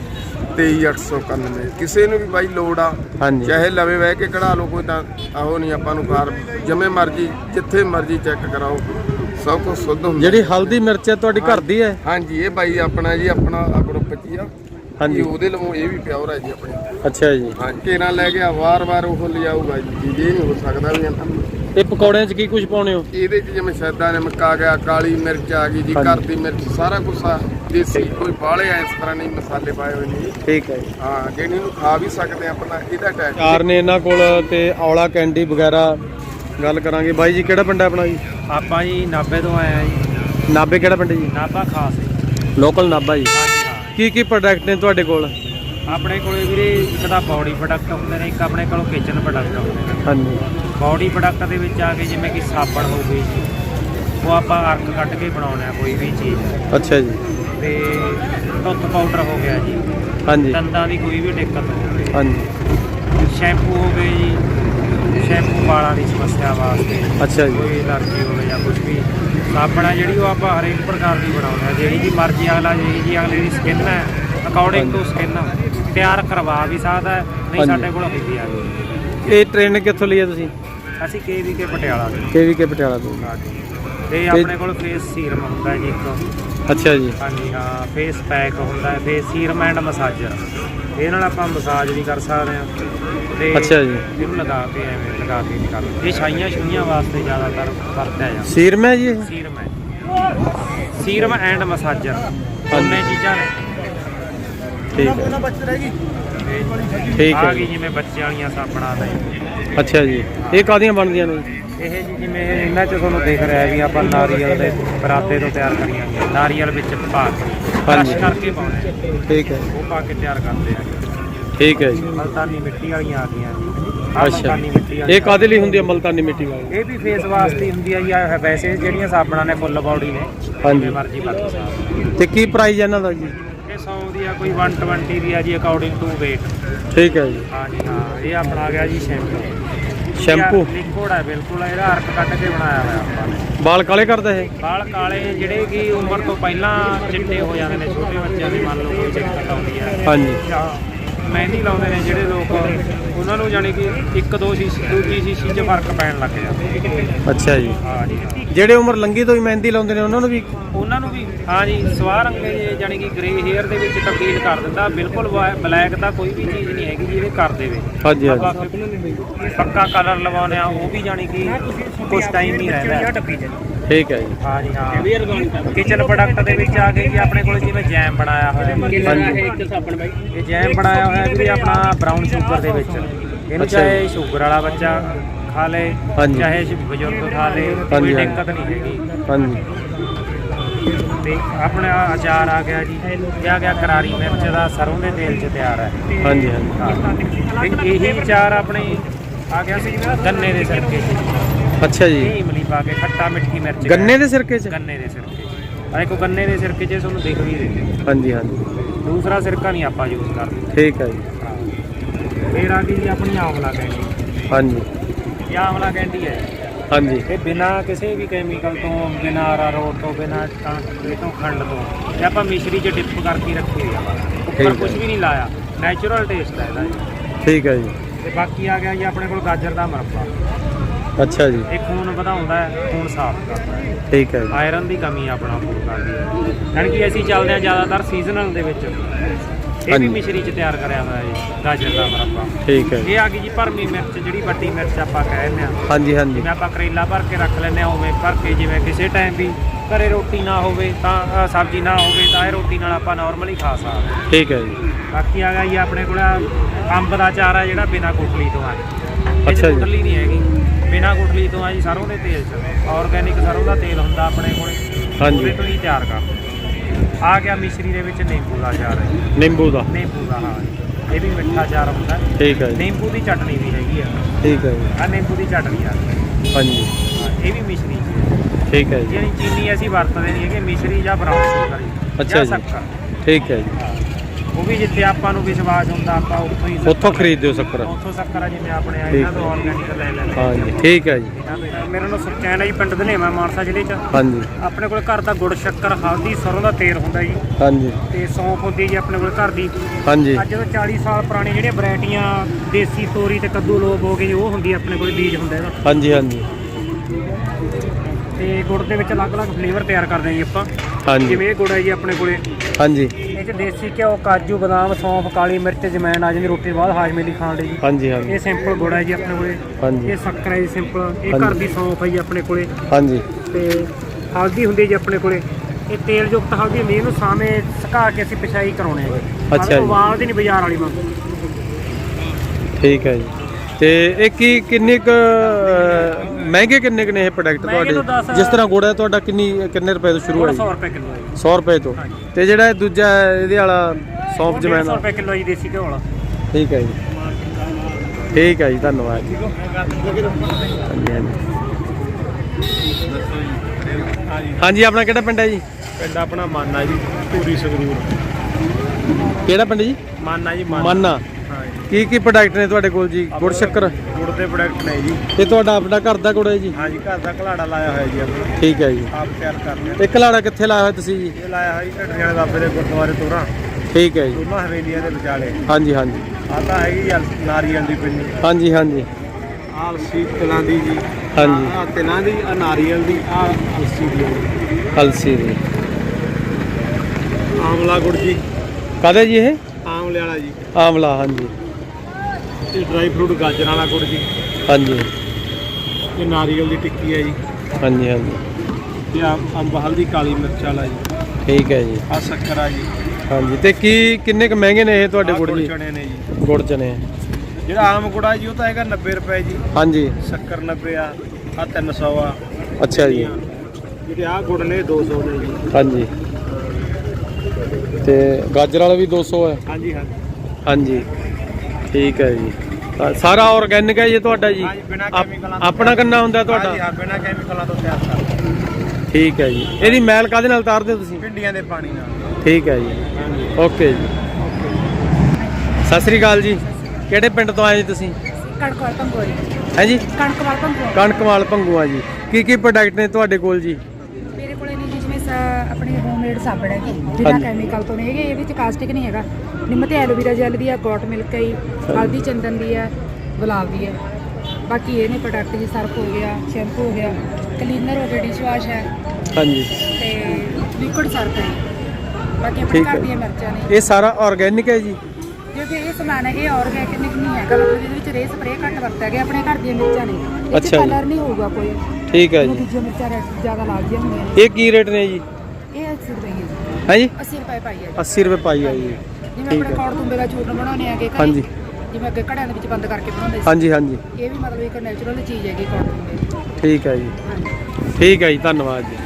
S4: 23891। ਕਿਸੇ ਨੂੰ ਵੀ ਬਾਈ ਲੋੜ ਆ,
S1: ਹਾਂਜੀ
S4: ਚਾਹੇ ਲਵੇ ਬਹਿ ਕੇ ਕਢਾ ਲਓ, ਕੋਈ ਤਾਂ ਆਹੋ ਨਹੀਂ ਆਪਾਂ ਨੂੰ ਕਾਰ ਜਿਵੇਂ ਮਰਜੀ ਜਿੱਥੇ ਮਰਜੀ ਚੈੱਕ ਕਰਾਓ, ਸਭ ਕੁਝ ਸੁੱਧ ਹੁੰਦਾ।
S1: ਜਿਹੜੀ ਹਲਦੀ ਮਿਰਚ ਹੈ ਤੁਹਾਡੀ ਘਰ ਦੀ ਹੈ?
S4: ਹਾਂਜੀ ਇਹ ਬਾਈ ਆਪਣਾ ਜੀ, ਆਪਣਾ ਗਰੁੱਪ ਚ ਹੀ ਆ।
S1: ਹਾਂਜੀ
S4: ਉਹਦੇ ਲਵੋਂ ਇਹ ਵੀ ਪਿਓਰ ਹੈ ਜੀ ਆਪਣੇ।
S1: ਅੱਛਾ ਜੀ।
S4: ਹਾਂ ਘੇਰਾ ਲੈ ਗਿਆ ਵਾਰ-ਵਾਰ ਉਹ ਲਿਜਾਊਗਾ ਜੀ, ਇਹ ਨਹੀਂ ਹੋ ਸਕਦਾ ਵੀ
S1: ਇਹ ਪਕੌੜਿਆਂ 'ਚ ਕੀ ਕੁਝ ਪਾਉਣੇ ਹੋ?
S4: ਇਹਦੇ 'ਚ ਜਿਵੇਂ ਸ਼ੈਦਾ ਨਮਕ ਆ ਗਿਆ, ਕਾਲੀ ਮਿਰਚ ਆ ਗਈ ਜੀ, ਘਰ ਦੀ ਮਿਰਚ, ਸਾਰਾ ਕੁਛ ਆ ਦੇਸੀ, ਕੋਈ ਬਾਹਲੇ ਆ ਇਸ ਤਰ੍ਹਾਂ ਨਹੀਂ ਮਸਾਲੇ ਪਾਏ ਹੋਏ ਨੇ ਜੀ।
S1: ਠੀਕ ਹੈ ਜੀ।
S4: ਹਾਂ ਜਿਹੜੀ ਨੂੰ ਖਾ ਵੀ ਸਕਦੇ ਆ ਆਪਣਾ ਇਹਦਾ ਟੈਸਟ।
S1: ਚਾਰ ਨੇ ਇਹਨਾਂ ਕੋਲ ਤੇ ਔਲਾ ਕੈਂਡੀ ਵਗੈਰਾ ਗੱਲ ਕਰਾਂਗੇ। ਬਾਈ ਜੀ ਕਿਹੜਾ ਪਿੰਡ ਹੈ ਆਪਣਾ ਜੀ?
S3: ਆਪਾਂ ਜੀ ਨਾਭੇ ਤੋਂ ਆਏ ਆ ਜੀ।
S1: ਨਾਭੇ ਕਿਹੜਾ ਪਿੰਡ ਜੀ?
S3: ਨਾਭਾ ਖਾਸ
S1: ਲੋਕਲ ਨਾਭਾ ਜੀ।
S3: ਹਾਂਜੀ ਹਾਂ।
S1: ਕੀ ਕੀ ਪ੍ਰੋਡਕਟ ਨੇ ਤੁਹਾਡੇ ਕੋਲ?
S3: ਆਪਣੇ ਕੋਲੇ ਵੀਰੇ ਇੱਕ ਤਾਂ ਬੋਡੀ ਪ੍ਰੋਡਕਟ ਹੁੰਦੇ ਨੇ, ਇੱਕ ਆਪਣੇ ਕੋਲ ਕਿਚਨ ਪ੍ਰੋਡਕਟ ਹੁੰਦੇ ਨੇ।
S1: ਹਾਂਜੀ
S3: ਬੋਡੀ ਪ੍ਰੋਡਕਟ ਦੇ ਵਿੱਚ ਆ ਕੇ ਜਿਵੇਂ ਕਿ ਸਾਬਣ ਹੋ ਗਈ ਜੀ, ਉਹ ਆਪਾਂ ਅਰਕ ਕੱਢ ਕੇ ਬਣਾਉਂਦੇ ਆ ਕੋਈ ਵੀ ਚੀਜ਼।
S1: ਅੱਛਾ ਜੀ।
S3: ਤੇ ਧੁੱਤ ਪਾਊਡਰ ਹੋ ਗਿਆ ਜੀ,
S1: ਹਾਂਜੀ
S3: ਦੰਦਾਂ ਦੀ ਕੋਈ ਵੀ ਦਿੱਕਤ ਹੋਵੇ।
S1: ਹਾਂਜੀ
S3: ਸ਼ੈਂਪੂ ਹੋ ਗਏ ਜੀ, ਸ਼ੈਂਪੂ ਵਾਲਾਂ ਦੀ ਸਮੱਸਿਆ ਵਾਸਤੇ,
S1: ਅੱਛਾ ਜੀ।
S3: ਕੋਈ ਐਲਰਜੀ ਹੋਵੇ ਜਾਂ ਕੁਝ ਵੀ। ਸਾਬਣ ਆ ਜਿਹੜੀ ਉਹ ਆਪਾਂ ਹਰੇਕ ਪ੍ਰਕਾਰ ਦੀ ਬਣਾਉਂਦੇ ਆ, ਜਿਹੜੀ ਜੀ ਮਰਜ਼ੀ ਅਗਲਾ ਜਿਹੜੀ ਜੀ ਅਗਲੇ ਦੀ ਸਕਿਨ ਹੈ ਅਕੋਰਡਿੰਗ ਟੂ ਸਕਿਨ ਤਿਆਰ ਕਰਵਾ ਵੀ ਸਕਦਾ ਹੈ, ਨਹੀਂ
S1: ਹਾਂਜੀ।
S3: ਸਾਡੇ ਕੋਲ ਹੁੰਦੀ ਆ ਜੀ।
S1: ਇਹ ਟ੍ਰੇਨਿੰਗ ਕਿੱਥੋਂ ਲਈ ਹੈ ਤੁਸੀਂ?
S3: ਅਸੀਂ KVK ਪਟਿਆਲਾ ਦੇ।
S1: KVK ਪਟਿਆਲਾ ਤੋਂ।
S3: ਤੇ ਆਪਣੇ ਕੋਲ ਫੇਸ ਸੀਰਮ ਹੁੰਦਾ ਜੀ ਇੱਕ।
S1: ਅੱਛਾ ਜੀ।
S3: ਹਾਂਜੀ ਹਾਂ, ਫੇਸ ਪੈਕ ਹੁੰਦਾ ਹੈ, ਫੇਸ ਸੀਰਮ ਐਂਡ ਮਸਾਜਰ। ਇਹ ਨਾਲ ਆਪਾਂ ਮਸਾਜ ਵੀ ਕਰ ਸਕਦੇ ਹਾਂ ਤੇ
S1: ਅੱਛਾ ਜੀ।
S3: ਇਹਨੂੰ ਲਗਾ ਕੇ ਐਵੇਂ ਲਗਾ ਕੇ ਨਹੀਂ ਕਰਦੇ। ਇਹ ਛਾਈਆਂ ਛੂਈਆਂ ਵਾਸਤੇ ਜ਼ਿਆਦਾਤਰ ਵਰਤਿਆ ਜਾਂਦਾ।
S1: ਸੀਰਮ ਹੈ ਜੀ ਇਹ?
S3: ਸੀਰਮ ਹੈ, ਸੀਰਮ ਐਂਡ ਮਸਾਜਰ ਦੋਨੇ ਚੀਜ਼ਾਂ ਨੇ।
S1: ਠੀਕ ਹੈ ਠੀਕ
S3: ਆ
S1: ਹੈ
S3: ਗਈ
S1: ਜੀ।
S3: ਜਿਵੇਂ ਬੱਚਿਆਂ ਵਾਲੀਆਂ ਸਾਬਣਾਂ ਨੇ।
S1: ਅੱਛਾ ਜੀ। ਇਹ ਕਾਹਦੀਆਂ ਬਣਦੀਆਂ ਨੇ ਜੀ?
S3: ਇਹ ਜੀ ਜਿਵੇਂ ਇਹਨਾਂ 'ਚ ਤੁਹਾਨੂੰ ਦਿਖ ਰਿਹਾ ਵੀ ਆਪਾਂ ਨਾਰੀਅਲ ਦੇ ਪਰਾਤੇ ਤੋਂ ਤਿਆਰ ਕਰੀਆਂ ਗਈਆਂ, ਨਾਰੀਅਲ ਵਿੱਚ ਪਾ ਕੇ ਕ੍ਰਸ਼ ਕਰਕੇ ਪਾਉਂਦੇ ਆ,
S1: ਠੀਕ ਹੈ
S3: ਉਹ ਪਾ ਕੇ ਤਿਆਰ ਕਰਦੇ ਆ।
S1: ਠੀਕ ਹੈ ਜੀ।
S3: ਮਲਤਾਨੀ ਮਿੱਟੀ ਵਾਲੀਆਂ ਆ ਗਈਆਂ ਜੀ। ਆਹ
S1: ਅੱਛਾ
S3: ਮਲਤਾਨੀ ਮਿੱਟੀ
S1: ਇਹ
S3: ਵਾਲੀ
S1: ਕਾਹਦੇ ਲਈ ਹੁੰਦੀ ਹੈ ਮਲਤਾਨੀ ਮਿੱਟੀ ਵਾਲੀ?
S3: ਇਹ ਵੀ ਫੇਸ ਵਾਸਤੇ ਹੀ ਹੁੰਦੀ ਆ ਜੀ। ਆਹ ਵੈਸੇ ਜਿਹੜੀਆਂ ਸਾਬਣਾਂ ਨੇ ਫੁੱਲ ਬਾਡੀ ਨੇ,
S1: ਹਾਂਜੀ।
S3: ਜਿਵੇਂ ਮਰਜ਼ੀ ਵਰਤ ਸਕਦੇ।
S1: ਤੇ ਕੀ ਪ੍ਰਾਈਸ ਹੈ ਇਹਨਾਂ ਦਾ ਜੀ?
S3: ਇਹ 100 ਦੀ ਆ, ਕੋਈ 120 ਦੀ ਆ ਜੀ, ਅਕੋਰਡਿੰਗ ਟੂ weight।
S1: ਠੀਕ ਹੈ ਜੀ।
S3: ਹਾਂਜੀ ਹਾਂ। ਇਹ ਆਪਣਾ ਆ ਗਿਆ ਜੀ ਸ਼ੈਂਪੂ।
S1: ਸ਼ੈਂਪੂ
S3: ਲਿਕੁਇਡ ਹੈ ਬਿਲਕੁਲ, ਇਹਦਾ ਅਰਕ ਕੱਢ ਕੇ ਬਣਾਇਆ ਹੋਇਆ ਆਪਾਂ ਨੇ।
S1: ਵਾਲ ਕਾਲੇ ਕਰਦਾ ਇਹ?
S3: ਵਾਲ ਕਾਲੇ ਜਿਹੜੇ ਕਿ ਉਮਰ ਤੋਂ ਪਹਿਲਾਂ ਚਿੱਟੇ ਹੋ ਜਾਂਦੇ ਨੇ, ਛੋਟੇ ਬੱਚਿਆਂ ਦੇ ਮੰਨ ਲਓ ਕੋਈ ਦਿੱਕਤ ਆਉਂਦੀ ਹੈ।
S1: ਹਾਂਜੀ।
S3: ਜਾਂ ਮਹਿੰਦੀ ਲਾਉਂਦੇ ਨੇ ਜਿਹੜੇ ਲੋਕ, ਉਹਨਾਂ ਨੂੰ ਜਾਣੀ ਕਿ ਇੱਕ ਦੋ ਸ਼ੀਸ਼ੀ ਦੂਜੀ ਸ਼ੀਸ਼ੀ 'ਚ ਫਰਕ ਪੈਣ ਲੱਗ ਜਾਂਦਾ।
S1: ਅੱਛਾ ਜੀ।
S3: ਹਾਂ ਜੀ।
S1: ਜਿਹੜੇ ਉਮਰ ਲੰਗੀ ਤੋਂ ਹੀ ਮਹਿੰਦੀ ਲਾਉਂਦੇ ਨੇ ਉਹਨਾਂ ਨੂੰ ਵੀ?
S3: ਉਹਨਾਂ ਨੂੰ ਵੀ ਹਾਂ ਜੀ। ਸਵਾਹ ਰੰਗੇ ਜੇ ਜਾਣੀ ਕਿ ਗ੍ਰੇ ਹੇਅਰ ਦੇ ਵਿੱਚ ਤਬਦੀਲ ਕਰ ਦਿੰਦਾ। ਬਿਲਕੁਲ ਬਲੈਕ ਦਾ ਕੋਈ ਵੀ ਚੀਜ਼ ਨਹੀਂ ਹੈਗੀ ਜਿਹੜੇ ਕਰ ਦੇਵੇ।
S1: ਹਾਂਜੀ ਹਾਂਜੀ।
S3: ਆਪਾਂ ਪੱਕਾ ਕਲਰ ਲਵਾਉਂਦੇ ਆ, ਉਹ ਵੀ ਜਾਣੀ ਕਿ ਕੁਝ ਟਾਈਮ ਨਹੀਂ ਰਹਿੰਦਾ।
S1: ਠੀਕ ਹੈ ਜੀ।
S3: ਹਾਂ ਜੀ ਹਾਂ। ਕਿਚਨ ਪ੍ਰੋਡਕਟ ਦੇ ਵਿੱਚ ਆ ਗਏ ਜੀ ਆਪਣੇ ਕੋਲ ਜਿਵੇਂ ਜੈਮ ਬਣਾਇਆ ਹੋਇਆ। ਇਹ ਜੈਮ ਬਣਾਇਆ ਹੋਇਆ ਜੀ ਆਪਣਾ ਬਰਾਊਨ ਸ਼ੂਗਰ ਦੇ ਵਿੱਚ। ਇਹਨੂੰ
S1: ਅੱਛਾ
S3: ਚਾਹੇ ਸ਼ੂਗਰ ਵਾਲਾ ਬੱਚਾ ਖਾ ਲੇ,
S1: ਹਾਂਜੀ।
S3: ਚਾਹੇ ਬਜ਼ੁਰਗ ਖਾ ਲੇ, ਕੋਈ
S1: ਹਾਂਜੀ,
S3: ਦਿੱਕਤ ਨਹੀਂ ਹੈਗੀ।
S1: ਹਾਂਜੀ।
S3: ਤੇ ਆਪਣਾ ਅਚਾਰ ਆ ਗਿਆ ਜੀ, ਇਹ ਆ ਗਿਆ ਕਰਾਰੀ ਮਿਰਚ ਦਾ, ਸਰੋਂ ਦੇ ਤੇਲ 'ਚ ਤਿਆਰ ਹੈ।
S1: ਹਾਂਜੀ ਹਾਂਜੀ।
S3: ਤੇ ਇਹੀ ਅਚਾਰ ਆਪਣੇ ਆ ਗਿਆ ਸੀ ਗੰਨੇ ਦੇ ਸਿਰਕੇ 'ਚ।
S1: ਅੱਛਾ ਜੀ।
S3: ਇਹ ਇਮਲੀ ਪਾ ਕੇ ਖੱਟਾ ਮਿੱਠੀ ਮਿਰਚ।
S1: ਗੰਨੇ ਦੇ ਸਿਰਕੇ 'ਚ?
S3: ਗੰਨੇ ਦੇ ਸਿਰਕੇ 'ਚ। ਆ ਦੇਖੋ ਗੰਨੇ ਦੇ ਸਿਰਕੇ 'ਚ ਤੁਹਾਨੂੰ ਦਿਖ ਵੀ ਰਹੇ।
S1: ਹਾਂਜੀ ਹਾਂਜੀ।
S3: ਦੂਸਰਾ ਸਿਰਕਾ ਨਹੀਂ ਆਪਾਂ ਯੂਜ਼ ਕਰਦੇ।
S1: ਠੀਕ ਹੈ ਜੀ।
S3: ਫੇਰ ਆ ਗਈ ਜੀ ਆਪਣੀ ਆਂਵਲਾ ਕੈਂਡੀ।
S1: ਹਾਂਜੀ
S3: ਇਹ ਆਂਵਲਾ ਕੈਂਡੀ ਹੈ।
S1: ਹਾਂਜੀ।
S3: ਇਹ ਬਿਨਾਂ ਕਿਸੇ ਵੀ ਕੈਮੀਕਲ ਤੋਂ, ਬਿਨਾਂ ਅਰਾਰੋਟ ਤੋਂ, ਬਿਨਾਂ ਇਹ ਤੋਂ ਖੰਡ ਤੋਂ, ਇਹ ਆਪਾਂ ਮਿਸ਼ਰੀ 'ਚ ਡਿਪ ਕਰਕੇ ਰੱਖੀ ਹੋਈ ਆ। ਉੱਪਰ ਕੁਝ ਵੀ ਨਹੀਂ ਲਾਇਆ, ਨੈਚੁਰਲ ਟੇਸਟ ਹੈ ਇਹਦਾ ਜੀ।
S1: ਠੀਕ ਹੈ ਜੀ।
S3: ਤੇ ਬਾਕੀ ਆ ਗਿਆ ਜੀ ਆਪਣੇ ਕੋਲ ਗਾਜਰ ਦਾ ਮੁਰੱਬਾ।
S1: ਅੱਛਾ ਜੀ।
S3: ਇਹ ਖੂਨ ਵਧਾਉਂਦਾ ਹੈ, ਖੂਨ ਸਾਫ਼ ਕਰਦਾ ਹੈ।
S1: ਠੀਕ ਹੈ ਜੀ।
S3: ਆਇਰਨ ਦੀ ਕਮੀ ਆਪਣਾ ਪੂਰ ਕਰਦੀ ਹੈ। ਯਾਨੀ ਕਿ ਅਸੀਂ ਚੱਲਦੇ ਹਾਂ ਜ਼ਿਆਦਾਤਰ ਸੀਜ਼ਨਲ ਦੇ ਵਿੱਚ। ਇਹ ਵੀ ਮਿਸ਼ਰੀ 'ਚ ਤਿਆਰ ਕਰਿਆ ਹੋਇਆ ਜੀ ਗਾਜਰ ਦਾ ਮੁਰੱਬਾ।
S1: ਠੀਕ ਹੈ।
S3: ਇਹ ਆ ਗਈ ਜੀ ਭਰਮੀ ਮਿਰਚ, ਜਿਹੜੀ ਵੱਡੀ ਮਿਰਚ ਆਪਾਂ ਕਹਿੰਦੇ ਹਾਂ।
S1: ਹਾਂਜੀ ਹਾਂਜੀ।
S3: ਜਿਵੇਂ ਆਪਾਂ ਕਰੇਲਾ ਭਰ ਕੇ ਰੱਖ ਲੈਂਦੇ ਹਾਂ, ਉਵੇਂ ਭਰ ਕੇ, ਜਿਵੇਂ ਕਿਸੇ ਟਾਈਮ ਵੀ ਘਰੇ ਰੋਟੀ ਨਾ ਹੋਵੇ ਤਾਂ ਸਬਜ਼ੀ ਨਾ ਹੋਵੇ ਤਾਂ ਇਹ ਰੋਟੀ ਨਾਲ ਆਪਾਂ ਨਾਰਮਲੀ ਖਾ ਸਕਦੇ ਹਾਂ।
S1: ਠੀਕ ਹੈ ਜੀ।
S3: ਬਾਕੀ ਆ ਗਿਆ ਜੀ ਆਪਣੇ ਕੋਲ ਅੰਬ ਦਾ ਅਚਾਰ ਆ ਜਿਹੜਾ ਬਿਨਾਂ ਗੁਠਲੀ ਤੋਂ ਆ।
S1: ਅੱਛਾ ਜੀ।
S3: ਗੁਠਲੀ ਨਹੀਂ ਹੈਗੀ, ਬਿਨਾਂ ਗੁਠਲੀ ਤੋਂ ਆ ਜੀ। ਸਰੋਂ ਦੇ ਤੇਲ 'ਚ ਆਰਗੈਨਿਕ ਸਰੋਂ ਦਾ ਤੇਲ ਹੁੰਦਾ ਆਪਣੇ ਕੋਲ,
S1: ਹਾਂਜੀ।
S3: ਉਹਦੇ ਤੋਂ ਹੀ ਤਿਆਰ ਕਰਦੇ। ਆ ਗਿਆ ਮਿਸ਼ਰੀ ਦੇ ਵਿੱਚ ਨਿੰਬੂ ਦਾ ਅਚਾਰ ਹੈ।
S1: ਨਿੰਬੂ ਦਾ?
S3: ਨਿੰਬੂ ਦਾ ਹਾਂ ਜੀ। ਇਹ ਵੀ ਮਿੱਠਾ ਅਚਾਰ ਹੁੰਦਾ।
S1: ਠੀਕ ਹੈ ਜੀ।
S3: ਨਿੰਬੂ ਦੀ ਚਟਨੀ ਵੀ ਹੈਗੀ ਆ।
S1: ਠੀਕ ਹੈ ਜੀ।
S3: ਆ ਨਿੰਬੂ ਦੀ ਚਟਨੀ ਆ।
S1: ਹਾਂਜੀ।
S3: ਇਹ ਵੀ ਮਿਸ਼ਰੀ 'ਚ।
S1: ਠੀਕ ਹੈ ਜੀ।
S3: ਜਿਹੜੀ ਚੀਨੀ ਅਸੀਂ ਵਰਤਦੇ ਨਹੀਂ ਹੈਗੇ, ਮਿਸ਼ਰੀ ਜਾਂ ਬਰਾਊਨ ਸ਼ੂਗਰ
S1: ਅੱਛਾ ਜੀ।
S3: ਸ਼ੱਕਰ।
S1: ਠੀਕ ਹੈ ਜੀ।
S3: ਉਹ ਵੀ ਜਿੱਥੇ ਆਪਾਂ ਨੂੰ ਵਿਸ਼ਵਾਸ ਹੁੰਦਾ ਆਪਾਂ ਉੱਥੋਂ ਹੀ
S1: ਉੱਥੋਂ ਖਰੀਦਦੇ ਹੋ ਸ਼ੱਕਰ?
S3: ਉੱਥੋਂ ਸ਼ੱਕਰ ਆ ਜਿਵੇਂ ਆਪਣੇ ਆ
S1: ਠੀਕ
S3: ਇਹਨਾਂ ਤੋਂ ਆਰਗੈਨਿਕ ਲੈ ਲੈਂਦੇ
S1: ਹਾਂਜੀ ਠੀਕ ਹੈ ਜੀ।
S3: ਮੇਰਾ ਨਾਮ ਸੁਖਚੈਨ ਹੈ ਜੀ, ਪਿੰਡ ਧਨੇਵਾ ਮਾਨਸਾ ਜ਼ਿਲ੍ਹੇ 'ਚ।
S1: ਹਾਂਜੀ
S3: ਆਪਣੇ ਕੋਲ ਘਰ ਦਾ ਗੁੜ, ਸ਼ੱਕਰ, ਹਲਦੀ, ਸਰੋਂ ਦਾ ਤੇਲ ਹੁੰਦਾ ਜੀ,
S1: ਹਾਂਜੀ
S3: ਤੇ ਸੌਂਫ ਹੁੰਦੀ ਜੀ ਆਪਣੇ ਕੋਲ ਘਰ ਦੀ।
S1: ਹਾਂਜੀ
S3: ਅੱਜ ਤੋਂ 40 ਸਾਲ ਪੁਰਾਣੀ ਜਿਹੜੀਆਂ ਵੈਰਾਈਟੀਆਂ ਦੇਸੀ ਤੋਰੀ ਤੇ ਕੱਦੂ ਲੋਬ ਹੋ ਗਏ ਜੀ, ਉਹ ਹੁੰਦੀ ਆਪਣੇ ਕੋਲ ਬੀਜ ਹੁੰਦਾ ਇਹਦਾ।
S1: ਹਾਂਜੀ ਹਾਂਜੀ
S3: ਤੇ ਗੁੜ ਦੇ ਵਿੱਚ ਅਲੱਗ-ਅਲੱਗ ਫਲੇਵਰ ਤਿਆਰ ਕਰਦੇ ਹਾਂ ਜੀ ਆਪਾਂ।
S1: ਹਾਂਜੀ
S3: ਜਿਵੇਂ ਇਹ ਗੁੜ ਹੈ ਜੀ ਆਪਣੇ ਕੋਲੇ,
S1: ਹਾਂਜੀ
S3: ਇਹ 'ਚ ਦੇਸੀ ਘਿਓ, ਕਾਜੂ, ਬਦਾਮ, ਸੌਂਫ, ਕਾਲੀ ਮਿਰਚ, ਜਮੈਣ ਆ ਜਾਂਦੀ ਰੋਟੀ ਬਾਅਦ ਹਾਜ਼ਮੇ ਲਈ ਖਾਣ ਲਈ ਜੀ।
S1: ਹਾਂਜੀ ਹਾਂਜੀ
S3: ਇਹ ਸਿੰਪਲ ਗੁੜ ਹੈ ਜੀ ਆਪਣੇ ਕੋਲੇ।
S1: ਹਾਂਜੀ
S3: ਇਹ ਸ਼ੱਕਰ ਹੈ ਜੀ ਸਿੰਪਲ। ਇਹ ਘਰ ਦੀ ਸੌਂਫ ਹੈ ਜੀ ਆਪਣੇ ਕੋਲੇ।
S1: ਹਾਂਜੀ
S3: ਤੇ ਹਲਦੀ ਹੁੰਦੀ ਹੈ ਜੀ ਆਪਣੇ ਕੋਲੇ। ਇਹ ਤੇਲ ਯੁਕਤ ਹਲਦੀ ਹੁੰਦੀ, ਇਹਨੂੰ ਸਾਵੇਂ ਸੁਕਾ ਕੇ ਅਸੀਂ ਪਿਛਾਈ ਕਰਾਉਣੇ ਆ ਜੀ।
S1: ਅੱਛਾ ਜੀ।
S3: ਉਬਾਲ ਦੀ ਨਹੀਂ ਬਾਜ਼ਾਰ ਵਾਲੀ ਮੰਗ।
S1: ਠੀਕ ਹੈ ਜੀ। ਤੇ ਇਹ ਕਿੰਨੇ ਕੁ ਮਹਿੰਗੇ ਕਿੰਨੇ ਕੁ ਨੇ ਇਹ ਪ੍ਰੋਡਕਟ
S3: ਮਹਿੰਗੇ
S1: ਤੁਹਾਡੇ?
S3: ਤਾਂ 10
S1: ਜਿਸ ਤਰ੍ਹਾਂ ਗੁੜ ਹੈ ਤੁਹਾਡਾ ਕਿੰਨੇ ਰੁਪਏ ਤੋਂ ਸ਼ੁਰੂ ਹੈ ਜੀ?
S3: 100 ਰੁਪਏ ਕਿਲੋ ਹੈ ਜੀ।
S1: 100 ਰੁਪਏ ਤੋਂ। ਤੇ ਜਿਹੜਾ ਇਹ ਦੂਜਾ ਇਹਦੇ ਵਾਲਾ ਸੌਂਫ ਜਮੈਨ
S3: 100 ਰੁਪਏ ਕਿਲੋ ਜੀ ਦੇਸੀ ਘਿਓ ਵਾਲਾ।
S1: ਠੀਕ ਹੈ ਜੀ। ਠੀਕ ਹੈ ਜੀ, ਧੰਨਵਾਦ ਜੀ। ਹਾਂਜੀ ਹਾਂਜੀ ਹਾਂਜੀ ਆਪਣਾ ਕਿਹੜਾ ਪਿੰਡ ਹੈ ਜੀ?
S3: ਪਿੰਡ ਆਪਣਾ ਮਾਨਾ ਜੀ, ਧੂਰੀ ਸੰਗਰੂਰ।
S1: ਕਿਹੜਾ ਪਿੰਡ ਜੀ?
S3: ਮਾਨਾ ਜੀ,
S1: ਮਾਨਾ।
S3: ਹਾਂ
S1: ਕੀ ਕੀ ਪ੍ਰੋਡਕਟ ਨੇ ਤੁਹਾਡੇ ਕੋਲ ਜੀ? ਗੁੜ, ਸ਼ੱਕਰ?
S3: ਗੁੜ ਦੇ ਪ੍ਰੋਡਕਟ ਨੇ ਜੀ।
S1: ਇਹ ਤੁਹਾਡਾ ਆਪਣਾ ਘਰ ਦਾ ਗੁੜ ਹੈ ਜੀ?
S3: ਹਾਂਜੀ, ਘਰ ਦਾ ਘਲਾੜਾ ਲਾਇਆ ਹੋਇਆ ਜੀ ਆਪਾਂ।
S1: ਠੀਕ ਹੈ ਜੀ।
S3: ਆਪ ਤਿਆਰ ਕਰਦੇ ਹਾਂ।
S1: ਇਹ ਘਲਾੜਾ ਕਿੱਥੇ ਲਾਇਆ ਹੋਇਆ ਤੁਸੀਂ ਜੀ?
S3: ਇਹ ਲਾਇਆ ਹੋਇਆ ਜੀ ਢੱਡਰੀਆਂ ਵਾਲੇ ਬਾਬੇ ਦੇ ਗੁਰਦੁਆਰੇ ਤੋਰਾ,
S1: ਠੀਕ ਹੈ ਜੀ।
S3: ਦੋਨਾਂ ਹਵੇਲੀਆਂ ਦੇ ਵਿਚਾਲੇ।
S1: ਹਾਂਜੀ ਹਾਂਜੀ
S3: ਆਹ ਤਾਂ ਹੈਗੀ ਜੀ ਨਾਰੀਅਲ ਦੀ ਪਿੰਨੀ।
S1: ਹਾਂਜੀ ਹਾਂਜੀ
S3: ਆਹ ਅਲਸੀ ਤਿਲਾਂ ਦੀ ਜੀ।
S1: ਹਾਂਜੀ।
S3: ਆਹ ਤਿਲਾਂ ਦੀ, ਆਹ ਨਾਰੀਅਲ ਦੀ, ਆਹ ਅਲਸੀ ਦੀ।
S1: ਅਲਸੀ ਦੀ।
S3: ਆਮਲਾ ਗੁੜ ਜੀ।
S1: ਕਾਹਦਾ ਜੀ ਇਹ?
S3: ਆਮਲੇ ਵਾਲਾ ਜੀ।
S1: ਆਮਲਾ। ਹਾਂਜੀ
S3: ਇਹ ਡਰਾਈ ਫਰੂਟ ਗਾਜਰਾਂ ਵਾਲਾ ਗੁੜ ਜੀ।
S1: ਹਾਂਜੀ
S3: ਇਹ ਨਾਰੀਅਲ ਦੀ ਟਿੱਕੀ ਹੈ ਜੀ।
S1: ਹਾਂਜੀ ਹਾਂਜੀ
S3: ਤੇ ਅੰਬ ਹਲਦੀ ਕਾਲੀ ਮਿਰਚ ਵਾਲਾ ਜੀ।
S1: ਠੀਕ ਹੈ ਜੀ।
S3: ਆਹ ਸ਼ੱਕਰ ਆ ਜੀ।
S1: ਹਾਂਜੀ ਤੇ ਕਿੰਨੇ ਕੁ ਮਹਿੰਗੇ ਨੇ ਇਹ ਤੁਹਾਡੇ ਗੁੜ ਜੀ?
S3: ਚਣੇ ਨੇ ਜੀ।
S1: ਗੁੜ ਚਨੇ।
S3: ਜਿਹੜਾ ਆਮ ਗੁੜ ਆ ਜੀ ਉਹ ਤਾਂ ਹੈਗਾ 90 ਰੁਪਏ ਜੀ।
S1: ਹਾਂਜੀ।
S3: ਸ਼ੱਕਰ 90 ਆ, ਆਹ 300 ਆ।
S1: ਅੱਛਾ ਜੀ।
S3: ਜਿਹੜੇ ਆਹ ਗੁੜ ਨੇ 200 ਨੇ ਜੀ।
S1: ਹਾਂਜੀ ਤੇ ਗਾਜਰ ਵਾਲਾ ਵੀ 200 ਹੈ?
S3: ਹਾਂਜੀ ਹਾਂਜੀ
S1: ਹਾਂਜੀ ਠੀਕ ਹੈ ਜੀ। ਸਾਰਾ ਆਰਗੈਨਿਕ ਹੈ ਜੀ ਤੁਹਾਡਾ ਜੀ?
S3: ਹਾਂਜੀ, ਬਿਨਾਂ ਕੈਮੀਕਲਾਂ ਤੋਂ
S1: ਆਪਣਾ ਗੰਨਾ ਹੁੰਦਾ ਤੁਹਾਡਾ?
S3: ਹਾਂਜੀ ਹਾਂ, ਬਿਨਾਂ ਕੈਮੀਕਲਾਂ ਤੋਂ ਤਿਆਰ ਕਰਦੇ।
S1: ਠੀਕ ਹੈ ਜੀ। ਇਹਦੀ ਮੈਲ ਕਾਹਦੇ ਨਾਲ ਉਤਾਰਦੇ ਹੋ ਤੁਸੀਂ?
S3: ਭਿੰਡੀਆਂ ਦੇ ਪਾਣੀ ਨਾਲ।
S1: ਠੀਕ ਹੈ ਜੀ। ਓਕੇ ਜੀ। ਸਤਿ ਸ੍ਰੀ ਅਕਾਲ ਜੀ। ਕਿਹੜੇ ਪਿੰਡ ਤੋਂ ਆਏ ਜੀ ਤੁਸੀਂ?
S5: ਕਣਕਵਾਲ ਭੰਗੂਆ।
S1: ਹੈ ਜੀ?
S5: ਕਣਕਵਾਲ ਭੰਗੂਆ।
S1: ਕਣਕਵਾਲ ਭੰਗੂਆ ਜੀ। ਕੀ ਪ੍ਰੋਡਕਟ ਨੇ ਤੁਹਾਡੇ ਕੋਲ ਜੀ?
S5: ਮੇਰੇ ਕੋਲੇ ਨਹੀਂ ਜੀ, ਜਿਵੇਂ ਆਪਣੇ ਹੋਮਮੇਡ ਸਾਬਣ ਹੈਗੇ ਬਿਨਾਂ
S1: ਹਾਂਜੀ।
S5: ਕੈਮੀਕਲ ਤੋਂ ਨੇ ਹੈਗੇ। ਇਹਦੇ ਵਿੱਚ ਕਾਸਟਿਕ ਨਹੀਂ ਹੈਗਾ। ਨਿੰਮ ਤੇ ਐਲੋਵੇਰਾ ਜੈਲ ਦੀ ਆ, ਗੋਟ ਮਿਲਕ ਹੈ ਜੀ, ਹਲਦੀ ਚੰਦਨ ਦੀ ਹੈ, ਗੁਲਾਬ ਦੀ ਹੈ। ਬਾਕੀ ਇਹ ਨੇ ਪ੍ਰੋਡਕਟ ਜੀ, ਸਰਫ ਹੋ ਗਿਆ, ਸ਼ੈਂਪੂ ਹੋ ਗਿਆ, ਕਲੀਨਰ ਹੋ ਗਿਆ, ਡਿਸ਼ ਵਾਸ਼ ਹੈ
S1: ਹਾਂਜੀ
S5: ਤੇ ਲਿਕੁਇਡ ਸਰਫ ਹੈ। ਬਾਕੀ ਆਪਣੇ
S1: ਠੀਕ ਹੈ।
S5: ਘਰ ਦੀਆਂ ਮਿਰਚਾਂ ਨੇ।
S1: ਇਹ ਸਾਰਾ ਆਰਗੈਨਿਕ ਹੈ ਜੀ?
S5: ਕਿਉਂਕਿ ਇਹ ਸਮਾਨ ਹੈ, ਇਹ ਆਰਗੈਨਿਕ ਨਹੀਂ ਹੈਗਾ। ਮਤਲਬ ਇਹਦੇ ਵਿੱਚ ਰੇ ਸਪਰੇ ਘੱਟ ਵਰਤਿਆ ਗਿਆ। ਆਪਣੇ ਘਰ ਦੀਆਂ ਮਿਰਚਾਂ ਨੇ। ਇਹ 'ਚ
S1: ਅੱਛਾ ਜੀ।
S5: ਕਲਰ ਨਹੀਂ ਹੋਊਗਾ ਕੋਈ।
S1: ਠੀਕ ਹੈ ਜੀ।
S5: ਦੂਜੀਆਂ ਮਿਰਚਾਂ ਜ਼ਿਆਦਾ ਲਾਲਜੀਆਂ ਹੁੰਦੀਆਂ ਨੇ।
S1: ਇਹ ਕੀ ਰੇਟ ਨੇ ਜੀ?
S5: ਇਹ 80 ਰੁਪਏ ਜੀ।
S1: ਹੈ ਜੀ?
S5: 80 ਰੁਪਏ ਪਾਈ ਹੈ ਜੀ।
S1: 80 ਰੁਪਏ ਪਾਈ ਹੈ ਜੀ।
S5: ਜਿਵੇਂ
S1: ਠੀਕ
S5: ਆਪਣੇ
S1: ਹੈ।
S5: ਕੌੜ ਤੁੰਬੇ ਦਾ ਚੂਰਨ ਬਣਾਉਣੇ ਆਗੇ ਘਰੇ।
S1: ਹਾਂਜੀ।
S5: ਜਿਵੇਂ ਅੱਗੇ ਘੜਿਆਂ ਦੇ ਵਿੱਚ ਬੰਦ ਕਰਕੇ ਬਣਾਉਂਦੇ ਸੀ।
S1: ਹਾਂਜੀ ਹਾਂਜੀ
S5: ਇਹ ਵੀ ਮਤਲਬ ਇੱਕ ਨੈਚੁਰਲ ਚੀਜ਼ ਹੈਗੀ ਕੌੜ ਤੁੰਬੇ।
S1: ਠੀਕ ਹੈ ਜੀ।
S5: ਹਾਂਜੀ।
S1: ਠੀਕ ਹੈ ਜੀ, ਧੰਨਵਾਦ ਜੀ।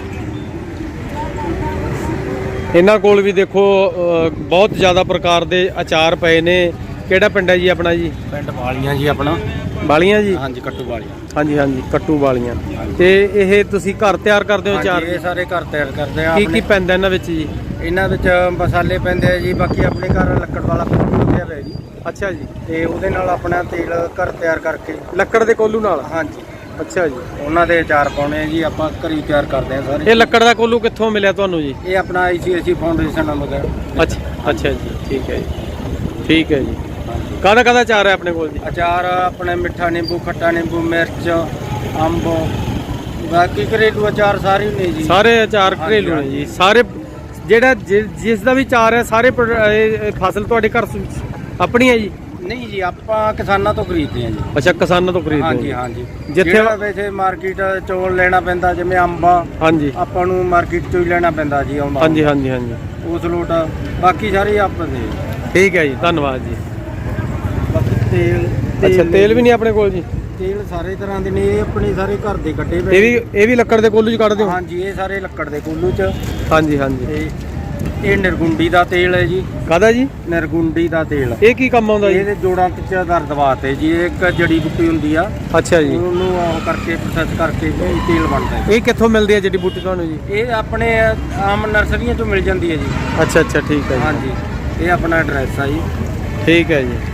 S1: ਇਹਨਾਂ ਕੋਲ ਵੀ ਦੇਖੋ ਬਹੁਤ ਜ਼ਿਆਦਾ ਪ੍ਰਕਾਰ ਦੇ ਅਚਾਰ ਪਏ ਨੇ। ਕਿਹੜਾ ਪਿੰਡ ਹੈ ਜੀ ਆਪਣਾ ਜੀ?
S3: ਪਿੰਡ ਵਾਲੀਆਂ ਜੀ ਆਪਣਾ।
S1: ਵਾਲੀਆਂ ਜੀ?
S3: ਹਾਂਜੀ, ਕੱਟੂ ਵਾਲੀਆਂ।
S1: ਹਾਂਜੀ ਹਾਂਜੀ ਕੱਟੂ ਵਾਲੀਆਂ। ਤੇ ਇਹ ਤੁਸੀਂ ਘਰ ਤਿਆਰ ਕਰਦੇ ਹੋ ਅਚਾਰ?
S4: ਇਹ ਸਾਰੇ ਘਰ ਤਿਆਰ ਕਰਦੇ ਆ।
S1: ਕੀ ਪੈਂਦਾ ਇਹਨਾਂ ਵਿੱਚ ਜੀ?
S4: ਇਹਨਾਂ ਵਿੱਚ ਮਸਾਲੇ ਪੈਂਦੇ ਆ ਜੀ। ਬਾਕੀ ਆਪਣੇ ਘਰ ਲੱਕੜ ਵਾਲਾ ਕੋਲੂ ਲੱਗਿਆ ਹੋਇਆ ਜੀ,
S1: ਅੱਛਾ ਜੀ।
S4: ਤੇ ਉਹਦੇ ਨਾਲ ਆਪਣਾ ਤੇਲ ਘਰ ਤਿਆਰ ਕਰਕੇ।
S1: ਲੱਕੜ ਦੇ ਕੋਲੂ ਨਾਲ?
S4: ਹਾਂਜੀ,
S1: ਅੱਛਾ ਜੀ।
S4: ਉਹਨਾਂ ਦੇ ਅਚਾਰ ਪਾਉਣੇ ਆ ਜੀ। ਆਪਾਂ ਘਰੀ ਤਿਆਰ ਕਰਦੇ ਆ ਸਾਰੇ।
S1: ਇਹ ਲੱਕੜ ਦਾ ਕੋਲੂ ਕਿੱਥੋਂ ਮਿਲਿਆ ਤੁਹਾਨੂੰ ਜੀ?
S4: ਇਹ ਆਪਣਾ ICICI ਫਾਊਂਡੇਸ਼ਨ ਨਾਲ ਲਗਾ।
S1: ਅੱਛਾ ਜੀ। ਠੀਕ ਹੈ ਜੀ। ਠੀਕ ਹੈ ਜੀ। ਕਾਹਦਾ ਅਚਾਰ ਹੈ ਆਪਣੇ ਕੋਲ ਜੀ?
S4: ਅਚਾਰ ਆਪਣੇ ਮਿੱਠਾ ਨਿੰਬੂ, ਖੱਟਾ ਨਿੰਬੂ, ਮਿਰਚ, ਅੰਬ, ਬਾਕੀ ਘਰੇਲੂ ਅਚਾਰ ਸਾਰੇ ਨੇ ਜੀ।
S1: ਸਾਰੇ ਅਚਾਰ ਘਰੇਲੂ ਨੇ ਜੀ ਸਾਰੇ? ਜਿਹੜਾ ਜਿਸ ਦਾ ਵੀ ਅਚਾਰ ਹੈ ਸਾਰੇ ਇਹ ਫਸਲ ਤੁਹਾਡੇ ਘਰ ਆਪਣੀ ਹੈ ਜੀ?
S4: ਨਹੀਂ ਜੀ, ਆਪਾਂ ਕਿਸਾਨਾਂ ਤੋਂ ਖਰੀਦਦੇ ਆ ਜੀ।
S1: ਅੱਛਾ, ਕਿਸਾਨਾਂ ਤੋਂ ਖਰੀਦਦੇ
S4: ਹਾਂਜੀ
S1: ਹੋ?
S4: ਹਾਂਜੀ।
S1: ਜਿੱਥੇ
S4: ਜਿਹੜਾ ਵੈਸੇ ਮਾਰਕੀਟ ਚੋਂ ਲੈਣਾ ਪੈਂਦਾ, ਜਿਵੇਂ ਅੰਬਾ,
S1: ਹਾਂਜੀ
S4: ਆਪਾਂ ਨੂੰ ਮਾਰਕੀਟ ਚੋਂ ਹੀ ਲੈਣਾ ਪੈਂਦਾ ਜੀ। ਆਉਂਦਾ
S1: ਹਾਂਜੀ ਹਾਂਜੀ ਹਾਂਜੀ
S4: ਉਸ ਲੋਟ। ਬਾਕੀ ਸਾਰੇ ਆਪਾਂ ਦੇ।
S1: ਠੀਕ ਹੈ ਜੀ, ਧੰਨਵਾਦ ਜੀ।
S4: ਬਾਕੀ ਤੇਲ
S1: ਅੱਛਾ, ਤੇਲ ਵੀ ਨਹੀਂ ਆਪਣੇ ਕੋਲ ਜੀ?
S4: ਤੇਲ ਸਾਰੇ ਤਰ੍ਹਾਂ ਦੇ ਨੇ। ਇਹ ਆਪਣੇ ਸਾਰੇ ਘਰ ਦੇ ਕੱਢੇ ਪਏ।
S1: ਇਹ ਵੀ ਲੱਕੜ ਦੇ ਕੋਲੂ ਚ ਕੱਢਦੇ ਹੋ?
S4: ਹਾਂਜੀ, ਇਹ ਸਾਰੇ ਲੱਕੜ ਦੇ ਕੋਲੂ ਚ।
S1: ਹਾਂਜੀ ਹਾਂਜੀ।
S4: ਤੇ ਇਹ ਨਿਰਗੁੰਡੀ ਦਾ ਤੇਲ ਹੈ ਜੀ।
S1: ਕਾਹਦਾ ਜੀ?
S4: ਨਿਰਗੁੰਡੀ ਦਾ ਤੇਲ।
S1: ਇਹ ਕੀ ਕੰਮ ਆਉਂਦਾ ਜੀ?
S4: ਇਹਦੇ ਜੋੜਾਂ ਚ ਦਰਦ ਵਾਸਤੇ ਜੀ। ਇਹ ਇੱਕ ਜੜੀ ਬੂਟੀ ਹੁੰਦੀ ਆ।
S1: ਅੱਛਾ ਜੀ।
S4: ਉਹਨੂੰ ਉਹ ਕਰਕੇ ਪ੍ਰੋਸੈਸ ਕਰਕੇ ਇਹ ਤੇਲ ਬਣਦਾ ਹੈ।
S1: ਇਹ ਕਿੱਥੋਂ ਮਿਲਦੀ ਹੈ ਜੜੀ ਬੂਟੀ ਤੁਹਾਨੂੰ ਜੀ?
S4: ਇਹ ਆਪਣੇ ਆਮ ਨਰਸਰੀਆਂ ਤੋਂ ਮਿਲ ਜਾਂਦੀ ਹੈ ਜੀ।
S1: ਅੱਛਾ ਅੱਛਾ, ਠੀਕ ਹੈ ਜੀ।
S4: ਹਾਂਜੀ।
S3: ਇਹ ਆਪਣਾ ਐਡਰੈਸ ਆ ਜੀ।
S1: ਠੀਕ ਹੈ ਜੀ।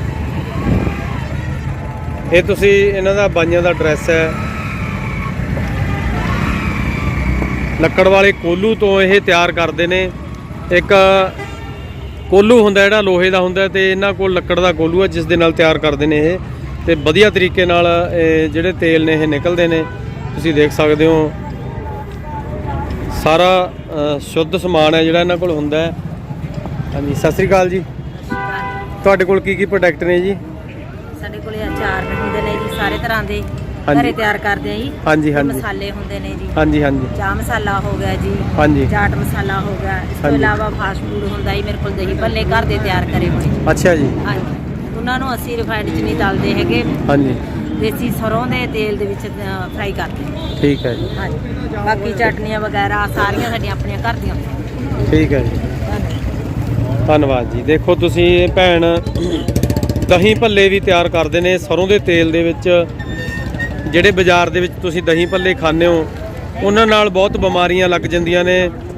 S1: ਇਹ ਤੁਸੀਂ ਇਹਨਾਂ ਦਾ ਬਾਈਆਂ ਦਾ ਐਡਰੈਸ ਹੈ। ਲੱਕੜ ਵਾਲੇ ਕੋਲੂ ਤੋਂ ਇਹ ਤਿਆਰ ਕਰਦੇ ਨੇ। ਇੱਕ ਕੋਲੂ ਹੁੰਦਾ ਜਿਹੜਾ ਲੋਹੇ ਦਾ ਹੁੰਦਾ ਤੇ ਇਹਨਾਂ ਕੋਲ ਲੱਕੜ ਦਾ ਕੋਲੂ ਹੈ ਜਿਸ ਦੇ ਨਾਲ ਤਿਆਰ ਕਰਦੇ ਨੇ ਇਹ, ਤੇ ਵਧੀਆ ਤਰੀਕੇ ਨਾਲ ਇਹ ਜਿਹੜੇ ਤੇਲ ਨੇ ਇਹ ਨਿਕਲਦੇ ਨੇ। ਤੁਸੀਂ ਦੇਖ ਸਕਦੇ ਹੋ ਸਾਰਾ ਸ਼ੁੱਧ ਸਮਾਨ ਹੈ ਜਿਹੜਾ ਇਹਨਾਂ ਕੋਲ ਹੁੰਦਾ ਹੈ। ਹਾਂਜੀ, ਸਤਿ ਸ੍ਰੀ ਅਕਾਲ ਜੀ। ਤੁਹਾਡੇ ਕੋਲ ਕੀ ਪ੍ਰੋਡਕਟ ਨੇ ਜੀ?
S6: ਸਾਡੇ ਕੋਲੇ ਅਚਾਰ ਹੁੰਦੇ ਨੇ ਜੀ ਸਾਰੇ ਤਰ੍ਹਾਂ ਦੇ,
S1: ਹਾਂਜੀ।
S6: ਘਰੇ ਤਿਆਰ ਕਰਦੇ ਆ ਜੀ।
S1: ਹਾਂਜੀ ਹਾਂਜੀ
S6: ਮਸਾਲੇ ਹੁੰਦੇ ਨੇ ਜੀ।
S1: ਹਾਂਜੀ ਹਾਂਜੀ
S6: ਚਾਹ ਮਸਾਲਾ ਹੋ ਗਿਆ ਜੀ,
S1: ਹਾਂਜੀ
S6: ਚਾਟ ਮਸਾਲਾ ਹੋ ਗਿਆ। ਇਸ ਤੋਂ
S1: ਹਾਂਜੀ।
S6: ਇਲਾਵਾ ਫਾਸਟ ਫੂਡ ਹੁੰਦਾ ਜੀ ਮੇਰੇ ਕੋਲ, ਦਹੀਂ ਭੱਲੇ ਘਰ ਦੇ ਤਿਆਰ ਕਰੇ ਹੋਏ ਜੀ।
S1: ਅੱਛਾ ਜੀ।
S6: ਹਾਂਜੀ, ਉਹਨਾਂ ਨੂੰ ਅਸੀਂ ਰਿਫਾਈਨਡ 'ਚ ਨਹੀਂ ਤਲਦੇ ਹੈਗੇ,
S1: ਹਾਂਜੀ
S6: ਦੇਸੀ ਸਰੋਂ ਦੇ ਤੇਲ ਦੇ ਵਿੱਚ ਫਰਾਈ ਕਰਦੇ ਹਾਂ।
S1: ਠੀਕ ਹੈ ਜੀ।
S6: ਹਾਂਜੀ, ਬਾਕੀ ਚਟਨੀਆਂ ਵਗੈਰਾ ਸਾਰੀਆਂ ਸਾਡੀਆਂ ਆਪਣੀਆਂ ਘਰ ਦੀਆਂ ਹੁੰਦੀਆਂ।
S1: ਠੀਕ ਹੈ ਜੀ, ਧੰਨਵਾਦ ਜੀ। ਦੇਖੋ ਤੁਸੀਂ ਇਹ ਭੈਣ ਦਹੀਂ ਭੱਲੇ ਵੀ ਤਿਆਰ ਕਰਦੇ ਨੇ ਸਰੋਂ ਦੇ ਤੇਲ ਦੇ ਵਿੱਚ। ਜਿਹੜੇ ਬਾਜ਼ਾਰ ਦੇ ਵਿੱਚ ਤੁਸੀਂ ਦਹੀਂ ਭੱਲੇ ਖਾਂਦੇ ਹੋ ਉਹਨਾਂ ਨਾਲ ਬਹੁਤ ਬਿਮਾਰੀਆਂ ਲੱਗ ਜਾਂਦੀਆਂ ਨੇ।